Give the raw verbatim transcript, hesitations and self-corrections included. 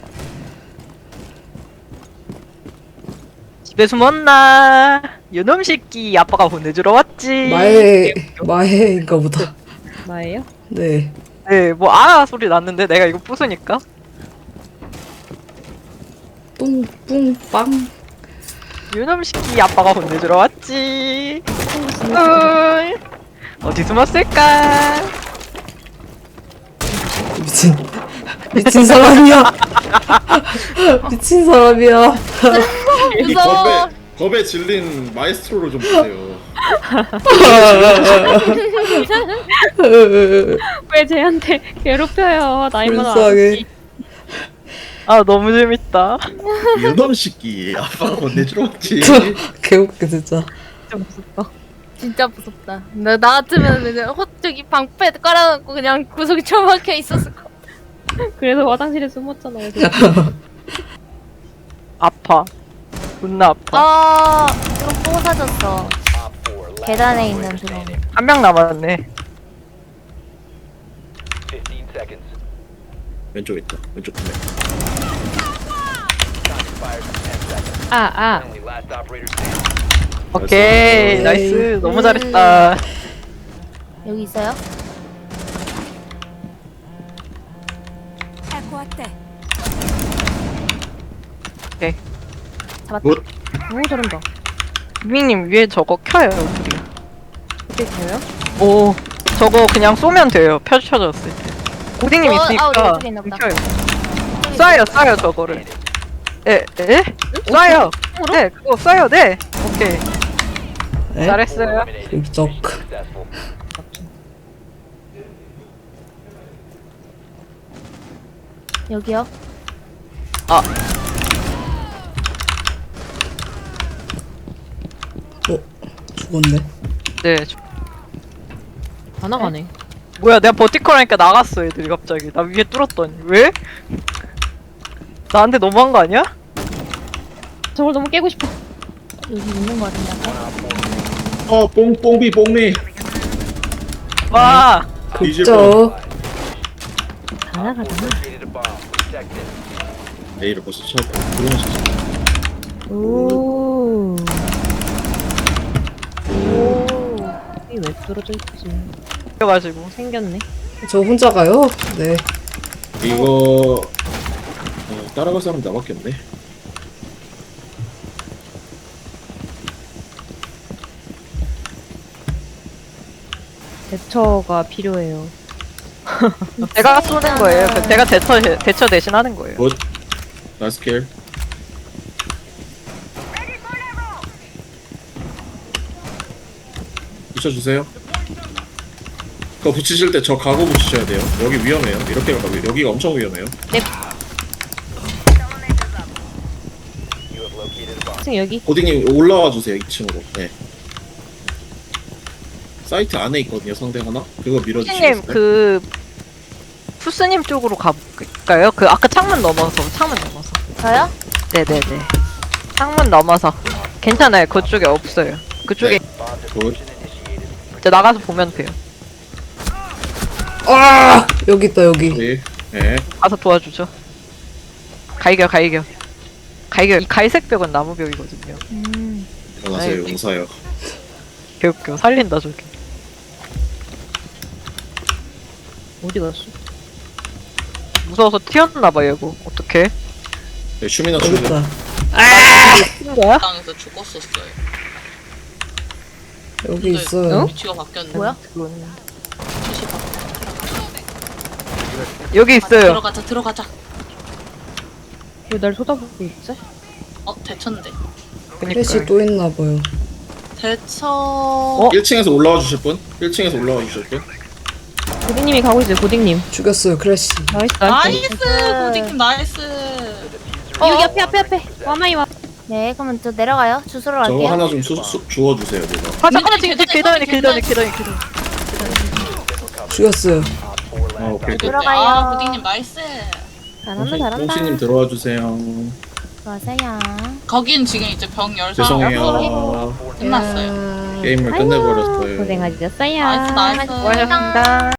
집에 숨었나? 요놈 새끼 아빠가 보내주러 왔지. 마에 마에인가 보다. 나예요? 네. 네, 뭐 아 소리 났는데 내가 이거 부수니까. 뿡뿡빵. 요놈 새끼 아빠가 보내주러 왔지. 응. 어디 숨었을까? 미친 미친 사람이야. 미친 사람이야. 무서워. 겁에 겁에 질린 마에스트로를 좀 보세요. 왜 쟤한테 괴롭혀요? 나이만 불쌍해. 아저씨. 아 너무 재밌다. 유놈 새끼 아빠가 건네주러 왔지. 개웃겨 진짜. 진짜 무섭다. 진짜 무섭다. 나, 나 같으면 그냥 호, 저기 방패 깔아놓고 그냥 구석에 처박혀 있었을 거. 그래서 화장실에 숨었잖아요. 아파. 존나 아파. 아, 드론 또 사졌어. 계단에 있는 드론. 한 명 남았네. 왼쪽에 있다. 왼쪽 두 명. 아, 아. 오케이 나이스. 너무 잘했다. 여기 있어요? 오케이. 잡았다. 굿. 오, 잘한다. 유민님 위에 저거 켜요. 우리. 어떻게 돼요? 오 저거 그냥 쏘면 돼요. 펼쳐졌을 때. 고딩님 어, 있으니까 아, 우리 왼쪽에 있나 보다. 켜요. 쏴요 쏴요 저거를. 에? 에? 쏴요. 네 그거 쏴요. 네. 오케이 네? 잘했어요. 립적. 여기요? 아 어 죽었네. 네. 저- 다 나가네. 뭐야 내가 버티컬하니까 나갔어 애들이 갑자기. 나 위에 뚫었더니 왜? 나한테 너무한 거 아니야? 저걸 너무 깨고 싶어. 여기 있는 거 같은데. 아까? 어 뽕뽕비 뽕미. 와 뒤질 극적. 다 나가잖아. A를 벌써 쳐. 들어오면서 오. 오. 이게 왜 뚫어져 있지? 그래가지고 생겼네. 저 혼자 가요? 네. 이거 어, 따라갈 사람 나밖에 없네. 대처가 필요해요. 제가 쏘는 거예요. 그 제가 대처 대처 대신 하는 거예요. 굿. 나이스 킬. 붙여주세요. 그거 붙이실 때 저 가고 붙이셔야 돼요. 여기 위험해요. 이렇게 가고 여기가 엄청 위험해요. 지금 여기. 고딩님 올라와 주세요. 이 층으로. 네. 사이트 안에 있거든요. 상대 하나. 그거 푸스님 밀어주시겠어요? 그 푸스님 쪽으로 가볼까요? 그 아까 창문 넘어서 창문 넘어서. 저요? 네네네. 창문 넘어서. 괜찮아요. 그쪽에 없어요. 그쪽에 굿. 이제 나가서 보면 돼요. 아 여기 있다 여기. 네. 네. 가서 도와주죠. 가이겨 가이겨. 가이겨. 이 갈색 벽은 나무 벽이거든요. 음. 일어나세요. 아이고. 용사요. 개웃겨. 살린다 저기. 어디 갔어? 무서워서 튀었나봐 얘고. 어떡해? 네, 슈미나 여기 슈미나. 있다. 튀는 거야? 땅에서 죽었었어요. 여기 근데 있어요. 위치가 바뀌었네. 뭐야? 그건 위치 바... 여기 있어요. 들어가자, 들어가자. 왜 날 쳐다보고 있지? 어, 대처인데. 플래시 그니까. 또 있나 봐요. 대처. 어? 일 층에서 올라와 주실 분? 일 층에서 올라와 주실 분? 고딩님이 가고 있어요. 고딩님. 죽였어요 크래시. 나이스 나이스. 나이스! 고딩님 나이스! 어, 여기 앞에 앞에 앞에. 와마이 와. 네, 그러면 저 내려가요. 주소로 저거 갈게요. 하나 좀 수, 수, 주워주세요. 내가. 아 잠깐만 지금 계단에, 계단에 계단에 계단에. 계단에 계단에. 죽였어요. 아 오케이. 굿. 들어가요. 아, 고딩님 나이스! 잘한다 잘한다. 뽕씨님 들어와 주세요. 들어가세요. 거긴 지금 이제 병 열 사람 죄송해요. 끝났어요. 게임을 끝내버렸어요. 고생하셨어요. 나이스, 나이스. 수고하셨습니다.